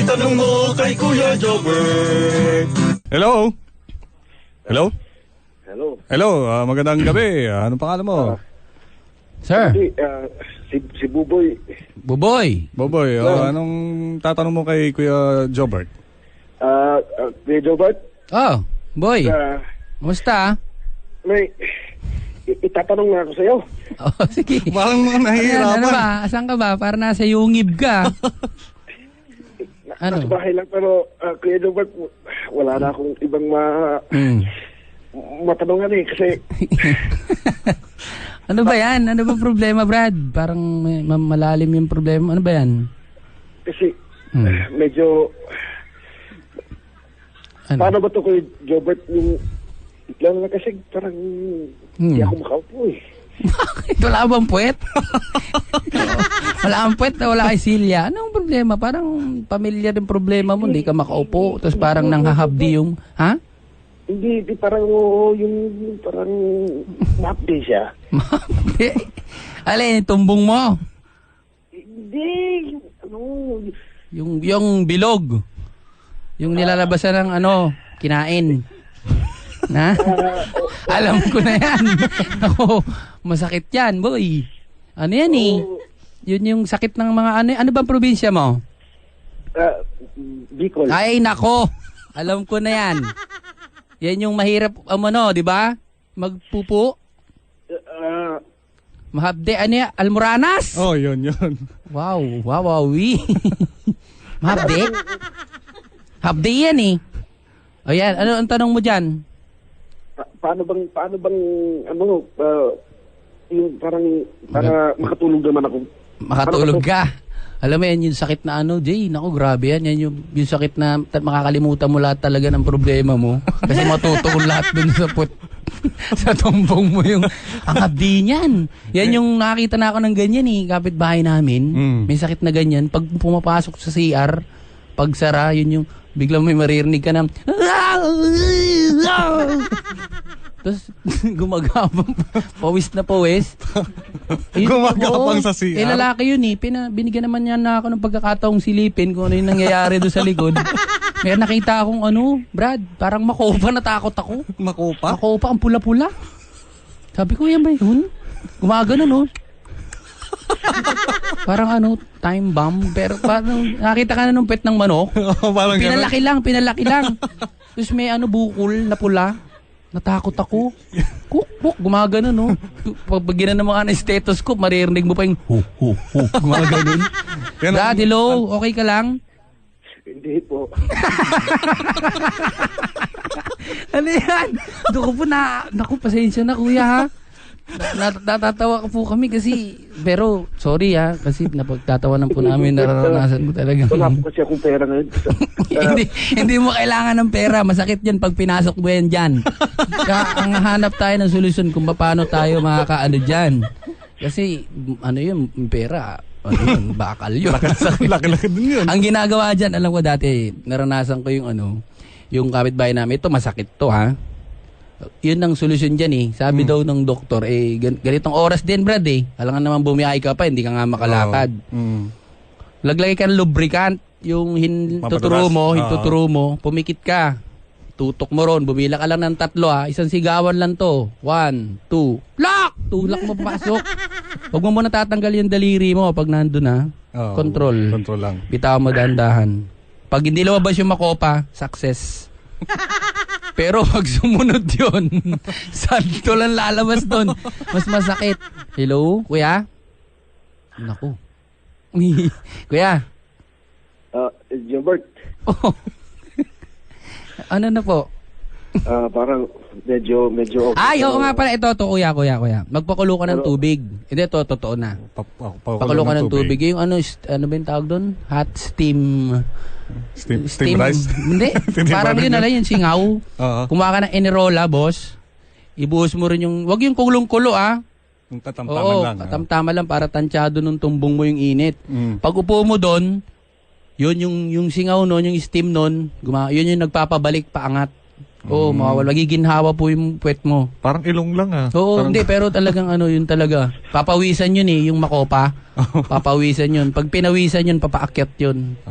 Itanong mo kay Kuya Jobber. Hello? Hello? Hello. Hello, magandang gabi. Anong pangalan mo? Sir. Si Buboy. Buboy. Boboy, anong tatanong mo kay Kuya Jobert? Kuya Jobert? Oh, boy. Kumusta? May itatanong na ako sa'yo. Oh, sige. Parang mga nahihirapan. Ano ba? Asan ka ba? Para nasa yungib ka. Nasa bahay lang, pero Kuya Jobert, wala na akong ibang matanungan eh. Kasi... Ano ba yan? Ano ba problema, Brad? Parang malalim yung problema. Ano ba yan? Kasi medyo... Ano? Paano ba ito, Kuya Jobert? Yung... Lalo na kasi parang hindi ako makaupo eh. Bakit? Wala bang puwet? Wala kang puwet na wala kay Silya. Anong problema? Parang pamilyar yung problema mo. Hindi ka makaupo. Tapos parang nanghahabdi yung... Ha? Hindi parang yung parang mapdi siya. Mapdi? Alin, tumbong mo? Hindi. Ano? Yung bilog. Yung nilalabasan ng kinain. Na? Alam ko na yan. Ako, masakit yan, boy. Ano yan eh? Yun yung sakit ng mga ano bang probinsya mo? Bicol. Ay, nako. Alam ko na yan. Yan yung mahirap, di ba? Magpupo. Mahabde, ano yan? Almoranas? Oh, yun. Wow. Mahabde? Habde yan eh. O yan, ano ang tanong mo dyan? Paano bang yung parang para makatulog naman ako. Makatulog ka. Alam mo yan yung sakit na Jay, naku grabe yan. Yan yung sakit na makakalimutan mo lahat talaga ng problema mo. Kasi matutuon lahat dun sa tumbong mo yung ang abdi niyan. Yan yung nakakita na ako ng ganyan eh, kapitbahay namin. May sakit na ganyan. Pag pumapasok sa CR, pag sara, yun yung biglang may maririnig ka na tapos gumagapang pawis na pawis. Gumagapang sa CR. Lalaki yun eh. Binigyan naman niya na ako ng pagkakataong silipin kung ano yung nangyayari doon sa likod. May nakita akong Brad, parang makopa, natakot ako. Makopa? Makopa, ang pula-pula. Sabi ko, yan ba yun? Gumagano parang time bomb. Pero parang nakita ka na nung pet ng manok. Pinalaki lang. Tapos may bukol na pula. Natakot ako. Kuk, gumagano Pag ginan ng mga stethoscope, maririnig mo pa yung hu. Gumagano. Dad, hello, okay ka lang? Hindi po. Ano yan? Naku, pasensya na kuya ha. Natatawa po kami kasi, pero sorry kasi napagtatawanan po namin, nararanasan ko talaga. Wala po kasi akong pera ngayon. hindi mo kailangan ng pera, masakit yan pag pinasok mo yan dyan. Kaya ang hanap tayo ng solusyon kung paano tayo makakaano dyan. Kasi yun, pera, bakal yun. Laki-laki din yun. Ang ginagawa dyan, alam ko dati, naranasan ko yung kapitbahay namin, ito masakit to ha. Yun ang solusyon dyan Sabi daw ng doktor, ganitong oras din, Brad Alangan naman bumiyahe ka pa, hindi ka nga makalakad. Laglagay ka ng lubricant, yung tuturo mo, pumikit ka. Tutok mo ron, bumila ka lang ng 3 isang sigawan lang to. 1, 2, lock! Tulak mo papasok. Huwag mo muna tatanggal yung daliri mo pag nandun Control lang. Bitaw mo dahan-dahan. Pag hindi lumabas yung makopa, success. Pero pag sumunod yun, santo lang lalabas doon. Mas masakit. Hello, kuya? Naku. Kuya? Jobert. Oh. Ano na po? Parang medyo okay. Ay, oo nga pala. Ito, kuya. Magpakulo ka ng tubig. Hindi, ito, totoo na. Pakulo ka ng tubig. Yung ano ba yung tawag doon? Hot steam rice? Hindi. Parang yun na yung singaw. Kumuha ka ng Enerola, boss. Ibuhos mo rin yung, wag yung kulong-kulo Yung katamtaman lang. Katamtaman lang para tansyado nung tumbong mo yung init. Pag upo mo doon, yun yung singaw nun, yung steam nun, yun yung nagpapabalik paangat. Oo, mawawala. Magiginhawa po yung puwet mo. Parang ilong lang Oo, hindi. Pero talagang yun talaga. Papawisan yun yung makopa. Papawisan yun. Pag pinawisan yun, papaakyat yun.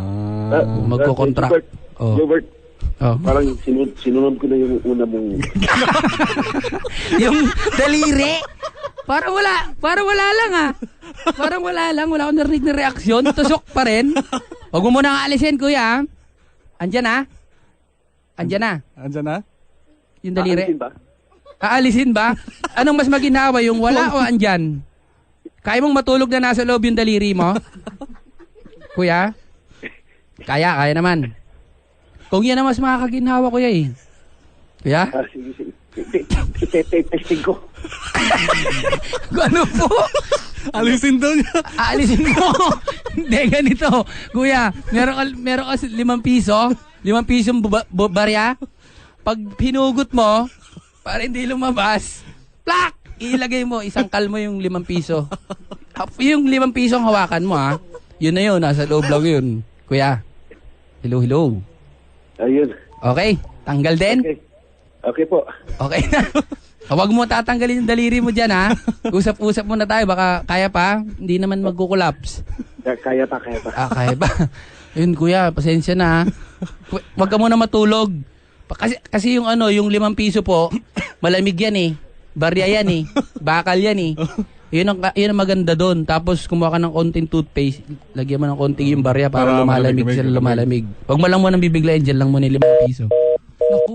magko-contract. Oh. Jobert, Oh. parang sinunod ko na yung una mong... Yung daliri. Parang wala lang ah. Parang wala akong narinig na reaksyon. Tusok pa rin. Huwag mo muna alisin, kuya. Andyan na. Andyan na? Yung daliri. Aalisin ba? Aalisin ba? Anong mas maginawa, yung wala o andyan? Kaya mong matulog na nasa loob yung daliri mo? Kuya? Kaya naman. Kung yan ang mas makakaginhawa, kuya eh. Kuya? Sige. Testing ko. Ano po? Alisin daw niya. Aalisin mo. Hindi, ganito. Kuya, meron ka 5 piso. 5 pisong barya. Pag pinugot mo, para hindi lumabas, plak! Ilagay mo, isangkal mo yung 5 piso. Yung 5 piso ang hawakan mo, ha? Yun na yun, nasa loob lang yun. Kuya, hello. Ayun. Okay, tanggal din? Okay po. Okay na. Huwag mo tatanggalin yung daliri mo dyan, ha? Usap-usap muna tayo, baka kaya pa. Hindi naman magkukulaps. Kaya pa. Kaya pa. Yun, kuya, pasensya na, ha? Huwag ka muna matulog. Kasi yung yung 5 piso po, malamig yan eh. Barya yan eh. Bakal yan eh. Yun ang maganda doon. Tapos kumuha ka ng konting toothpaste, lagyan mo ng konting yung barya para lumalamig sila lumalamig. Huwag mo lang muna bibiglayin, dyan lang muna yung 5 piso. Naku.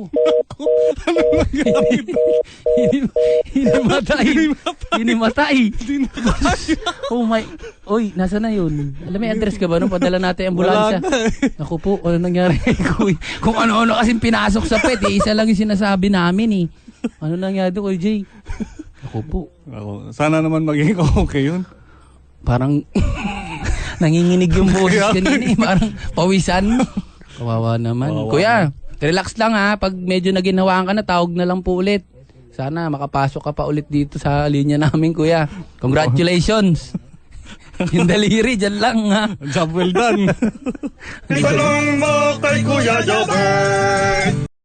Hinimatay. Oh my. Oy, nasa na yun? Alam mo yung address ka ba nung padala natin ang ambulansya? Naku po, ano nangyari kay Kuy? Kung ano-ano kasing pinasok sa pet, isa lang yung sinasabi namin eh. Ano nangyari doon, Kuy Jay? Naku po. Sana naman maging okay yun. Parang nanginginig yung boses kanina eh. Parang pawisan. Kawawa naman. Kuya, relax lang ha. Pag medyo naginhawaan ka na, tawag na lang po ulit. Sana makapasok ka pa ulit dito sa linya namin, kuya. Congratulations. Yung daliri, dyan lang ha. Job well done. Itanong mo kay Kuya Jobert.